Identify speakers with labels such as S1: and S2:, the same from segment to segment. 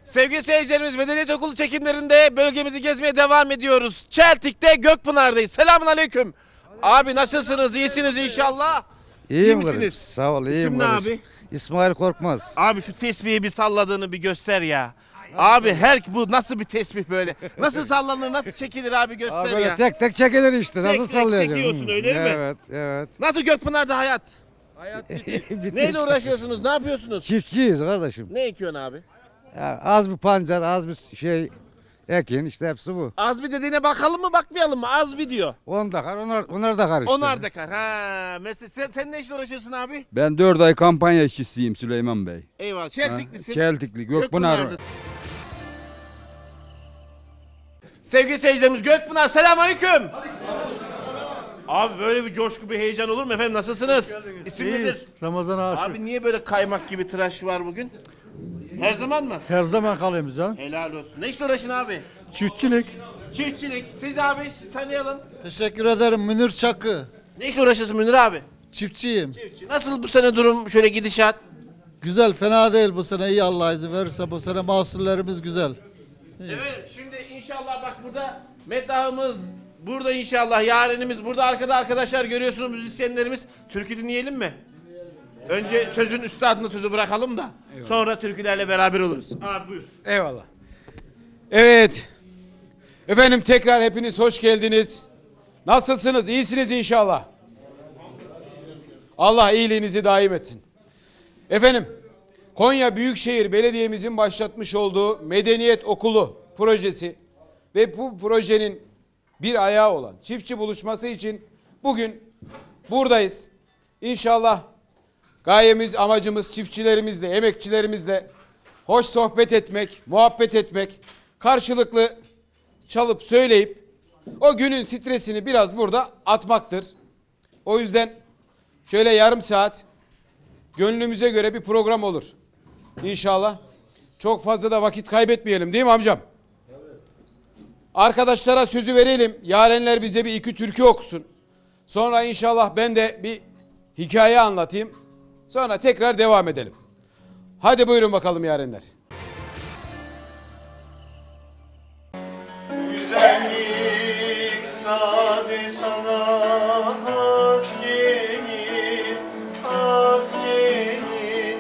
S1: Sevgili seyircilerimiz, Medeniyet Okulu çekimlerinde bölgemizi gezmeye devam ediyoruz. Çeltik'te Gökpınar'dayız. Selamun aleyküm. Abi nasılsınız? İyisiniz inşallah.
S2: İyiyim
S1: misiniz?
S2: kardeş. Sağ ol, iyiyim
S1: İsim ne
S2: kardeş.
S1: abi?
S2: İsmail Korkmaz.
S1: Abi şu tesbihi bir salladığını bir göster ya. Abi bu nasıl bir tesbih böyle? Nasıl sallanır, nasıl çekilir abi göster
S2: Abi böyle
S1: ya.
S2: tek tek çekilir işte.
S1: Tek
S2: Nasıl
S1: tek
S2: sallayacağım?
S1: çekiyorsun, öyle mi?
S2: Evet, evet.
S1: Nasıl Gökpınar'da hayat?
S2: Bitti.
S1: Neyle uğraşıyorsunuz? Ne yapıyorsunuz?
S2: Çiftçiyiz kardeşim.
S1: Ne ekiyorsun abi?
S2: Ya, az bir pancar, az bir şey ekin işte hepsi bu.
S1: Azbi dediğine bakalım mı bakmayalım mı? Azbi diyor.
S2: Onu da kar, onlar da kar işte.
S1: Onar da kar. Ha, mesela sen ne işle uğraşıyorsun abi?
S3: Ben 4 ay kampanya işçisiyim Süleyman Bey.
S1: Eyvallah. Çeltiklisin.
S3: Çeltikli, Gökpınar.
S1: Gökpınar'da. Sevgili seyircilerimiz, Gökpınar, selamünaleyküm. Abi böyle bir coşku, bir heyecan olur mu efendim? Nasılsınız? İsim nedir?
S4: Ramazan Aşık.
S1: Abi niye böyle kaymak gibi tıraş var bugün? Her zaman mı?
S4: Her zaman kalayım canım.
S1: Helal olsun. Ne işle uğraşın abi?
S4: Çiftçilik.
S1: Çiftçilik. Siz abi, siz tanıyalım.
S5: Teşekkür ederim Münir Çakı.
S1: Ne işle uğraşıyorsun Münir abi?
S5: Çiftçiyim.
S1: Çiftçi. Nasıl bu sene durum, şöyle gidişat?
S5: Güzel, fena değil bu sene. İyi Allah izin verirse bu sene mahsullerimiz güzel.
S1: Evet, şimdi inşallah bak burada meddahımız, burada inşallah yarenimiz, burada arkada arkadaşlar görüyorsunuz, müzisyenlerimiz. Türkü dinleyelim mi? Önce sözün üstadına sözü bırakalım da sonra türkülerle beraber oluruz. Abi buyur.
S3: Eyvallah. Evet. Efendim tekrar hepiniz hoş geldiniz. Nasılsınız? İyisiniz inşallah. Allah iyiliğinizi daim etsin. Efendim, Konya Büyükşehir Belediye'mizin başlatmış olduğu Medeniyet Okulu projesi ve bu projenin bir ayağı olan çiftçi buluşması için bugün buradayız. İnşallah gayemiz, amacımız çiftçilerimizle, emekçilerimizle hoş sohbet etmek, muhabbet etmek, karşılıklı çalıp söyleyip o günün stresini biraz burada atmaktır. O yüzden şöyle yarım saat gönlümüze göre bir program olur. İnşallah. Çok fazla da vakit kaybetmeyelim değil mi amcam? Evet. Arkadaşlara sözü verelim. Yarenler bize bir iki türkü okusun. Sonra inşallah ben de bir hikaye anlatayım. Sonra tekrar devam edelim. Hadi buyurun bakalım yarenler.
S6: Güzellik sade sana has gelir, has gelir.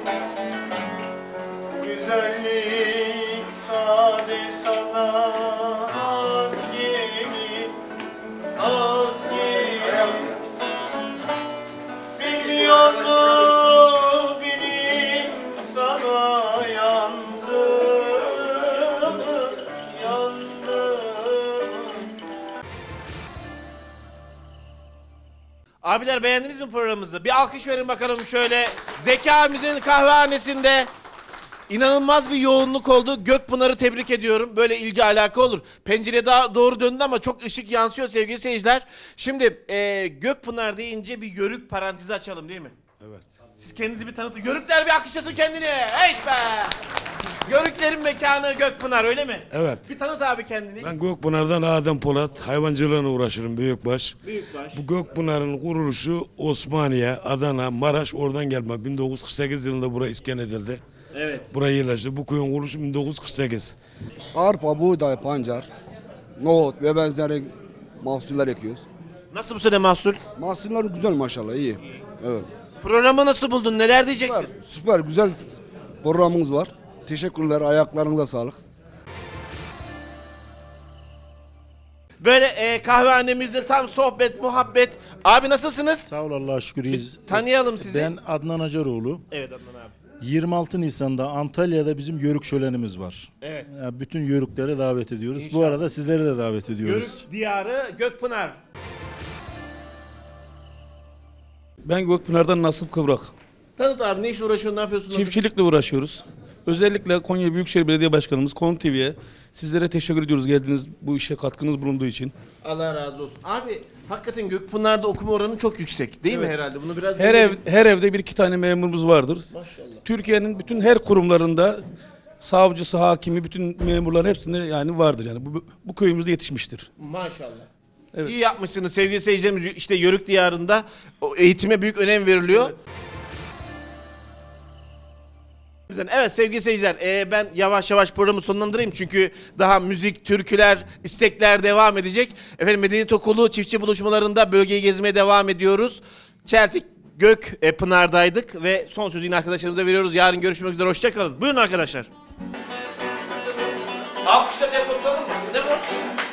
S6: Güzellik sade sana has gelir, has gelir. Bilmiyor mu benim sana yandım, yandım.
S1: Abiler beğendiniz mi programımızı? Bir alkış verin bakalım şöyle. Zeki abimizin kahvehanesinde inanılmaz bir yoğunluk oldu. Gökpınar'ı tebrik ediyorum. Böyle ilgi alaka olur. Pencere daha doğru döndü ama çok ışık yansıyor sevgili seyirciler. Şimdi Gökpınar deyince bir yörük parantezi açalım değil mi? Evet. Siz kendinizi bir tanıtın. Yörükler bir alkışlasın kendini. Hey be! Yörüklerin mekanı Gökpınar öyle mi?
S7: Evet.
S1: Bir tanıt abi kendini.
S7: Ben Gökpınar'dan Adem Polat, hayvancılığına uğraşırım büyükbaş.
S1: Büyükbaş.
S7: Bu Gökpınar'ın kuruluşu Osmaniye, Adana, Maraş oradan gelme. 1948 yılında buraya iskan edildi.
S1: Evet.
S7: Buraya yerleşti. Bu köyün kuruluşu 1948.
S8: Arpa, buğday, pancar, nohut ve benzeri mahsuller ekiyoruz.
S1: Nasıl bu sene mahsul?
S8: Mahsuller güzel maşallah, iyi. Evet.
S1: Programı nasıl buldun? Neler diyeceksin?
S8: Süper, güzel programımız var. Teşekkürler, ayaklarınıza sağlık.
S1: Böyle kahvehanemizde tam sohbet, muhabbet. Abi nasılsınız?
S4: Sağ ol Allah'a şükür iyiyiz.
S1: Tanıyalım sizi.
S4: Ben Adnan Acaroğlu.
S1: Evet Adnan abi.
S4: 26 Nisan'da Antalya'da bizim yörük şölenimiz var.
S1: Evet.
S4: Yani bütün yörükleri davet ediyoruz.
S1: İnşallah.
S4: Bu arada sizleri de davet ediyoruz.
S1: Yörük diyarı Gökpınar.
S9: Ben Gökpınar'dan Nasip Kıvrak.
S1: Tanıt abi, ne işle uğraşıyorsun, ne yapıyorsun?
S9: Çiftçilikle uğraşıyoruz. Özellikle Konya Büyükşehir Belediye Başkanımız Konuk TV'ye sizlere teşekkür ediyoruz geldiğiniz bu işe katkınız bulunduğu için.
S1: Allah razı olsun. Abi hakikaten Gökpınar'da okuma oranı çok yüksek değil mi herhalde? Bunu biraz
S9: Her evde bir iki tane memurumuz vardır.
S1: Maşallah.
S9: Türkiye'nin bütün her kurumlarında savcısı, hakimi, bütün memurların hepsinde yani vardır yani. Bu köyümüzde yetişmiştir.
S1: Maşallah.
S9: Evet.
S1: İyi yapmışsınız sevgili seyircilerimiz. İşte Yörük diyarında o eğitime büyük önem veriliyor. Evet. Evet sevgili seyirciler, ben yavaş yavaş programı sonlandırayım çünkü daha müzik, türküler, istekler devam edecek. Efendim Medeniyet Okulu çiftçi buluşmalarında bölgeyi gezmeye devam ediyoruz. Çeltik Gökpınar'daydık ve son sözü yine arkadaşlarımıza veriyoruz. Yarın görüşmek üzere, hoşçakalın. Buyurun arkadaşlar. Alkışla tempo tutalım mı? Ne bu?